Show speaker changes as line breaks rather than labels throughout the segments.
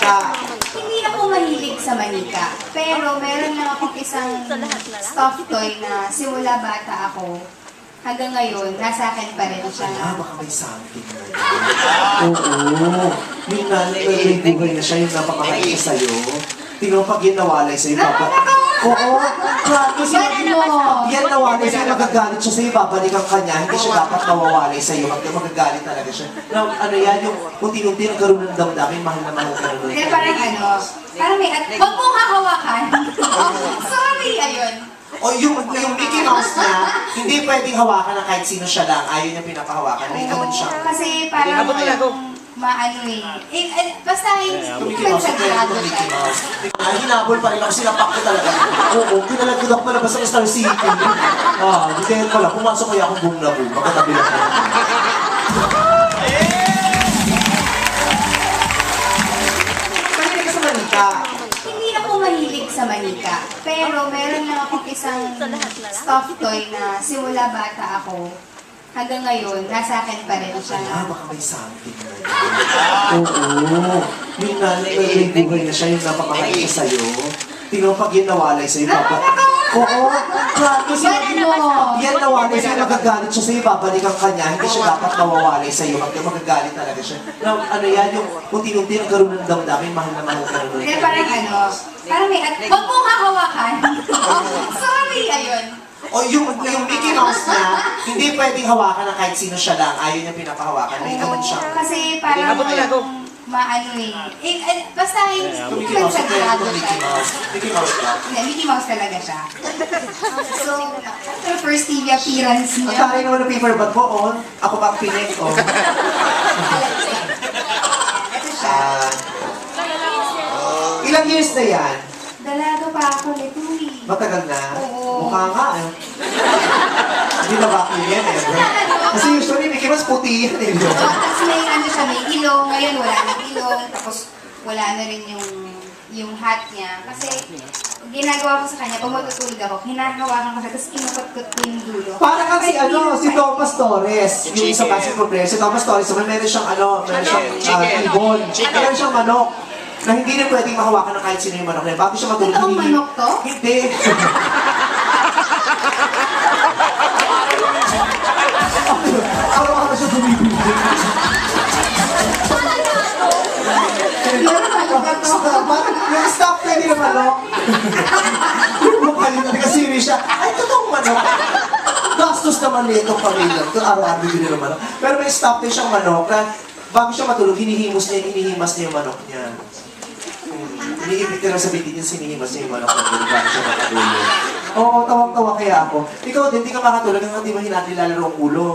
manika.
Hindi ako mahilig sa manika, pero meron lang akong isang stuffed toy na simula bata ako. Hanggang ngayon, nasa akin pa rin siya.
Baka may something na yun. Oo. Yung may buhay na siya, yung napakahal siya sa'yo. Tingnan mo pag yan nawalay sa'yo, papa. Oo. Kasi yan nawalay sa'yo, magagalit siya sa'yo, babalikan ka niya, hindi siya dapat nawawalay sa'yo, magagalit talaga siya. Now, ano yan, yung unti-unti nagkaroon ng damdamin, mahal na mahal ka naman.
Kaya parang may huwag mong hahawakan. Sorry, ayun.
O yung Mickey Mouse niya, hindi pwedeng hawakan ng kahit sino siya lang. Ayaw niya pinapahawakan. May naman siya.
Kasi parang maano basta hindi naman siya grado siya.
Hinabol pa rin ako, sinapak ko talaga. Oo, pinalagod ako palabas sa Star City. Di kaya pala, pumasok kaya akong boom na boom. Makatabi lang ako. Mahilig ka sa manika.
Hindi ako mahilig sa manika, pero meron lang akong isang stuffed toy na simula bata ako. Hanggang ngayon, nasa akin pa rin siya.
Baka may something na yun. Oo. Yung may buhay na siya, yung napakahal siya sa'yo. Tingnan mo pag yan nawalay sa'yo, papa. Oo. Kasi yan nawalay sa'yo, magagalit siya sa'yo, babalikan ka niya, hindi siya dapat nawawalay sa'yo, magagalit talaga siya. Now, ano yan, yung unti-unti nagkaroon ng damdamin, mahal na mahal ka naman.
Kaya parang may huwag mong hahawakan. Sorry, ayun.
O yung Mickey Mouse niya, hindi pwedeng hawakan ng kahit sino siya lang. Ayaw niya pinapahawakan. May naman siya.
Kasi parang basta hindi naman siya grado siya.
Mickey Mouse ba?
Hindi, Mickey Mouse talaga siya. So, after first TV appearance
Ang
niya,
tayo naman ng paper bag ko, ako pa ang pinig,
ito siya.
Ilang years na yan?
Dalaga pa ako nito eh.
Matagal na?
Oo.
Mukha nga Hindi na vacuum yan Kasi usually Mickey Mouse puti yan
Tapos may ilong, ngayon wala nang ilong, tapos wala na rin yung hat niya. Kasi ginagawa ko sa kanya, pag matutulog ako, hinahawakan ko siya, tapos kinukot-kot ko yung dulo.
Parang kasi si Thomas Torres, yung sa basketball player, si Thomas Torres, meron siyang ibon, meron siyang manok, na hindi na pwedeng mahawakan ng kahit sino yung manok na yun. Bago siya matulog,
Totoong manok to?
Hindi. Araw-araw siya bumibili. Yung staff na hindi na manok. Yung mukha nila, nag-serious siya. Ay, totoong manok. Gastos naman nito pamilya. Ito araw-araw bibili ng manok. Pero may staff na siyang manok na bago siya matulog, hinihimas niya yung manok niya. Iniibig ka lang sa bitin yung sinihimas niya yung manok niya bago siya matulog. Oo, tawang-tawa kaya ako. Ikaw din, di ka makatulog hanggang di mo nilalaro ang ulo.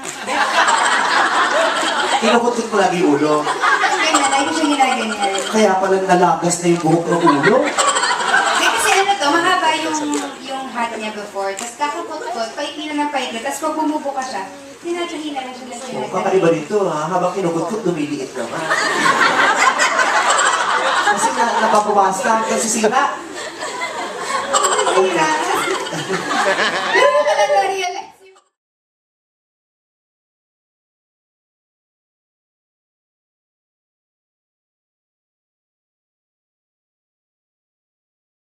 Kinukot-kot mo lagi yung ulo.
Kaya nalay ko siya ginaganyan.
Kaya pala nalagas na yung buhok ng ulo.
Kasi mahaba yung hat niya before, tapos kakapot-kot, paikli na ng paikli, tapos pag bumubo ka siya, hinahina lang siya
So, kakaiba dito habang kinukot-kot, dumiliit naman. Kasi napapawas na, kasi sira.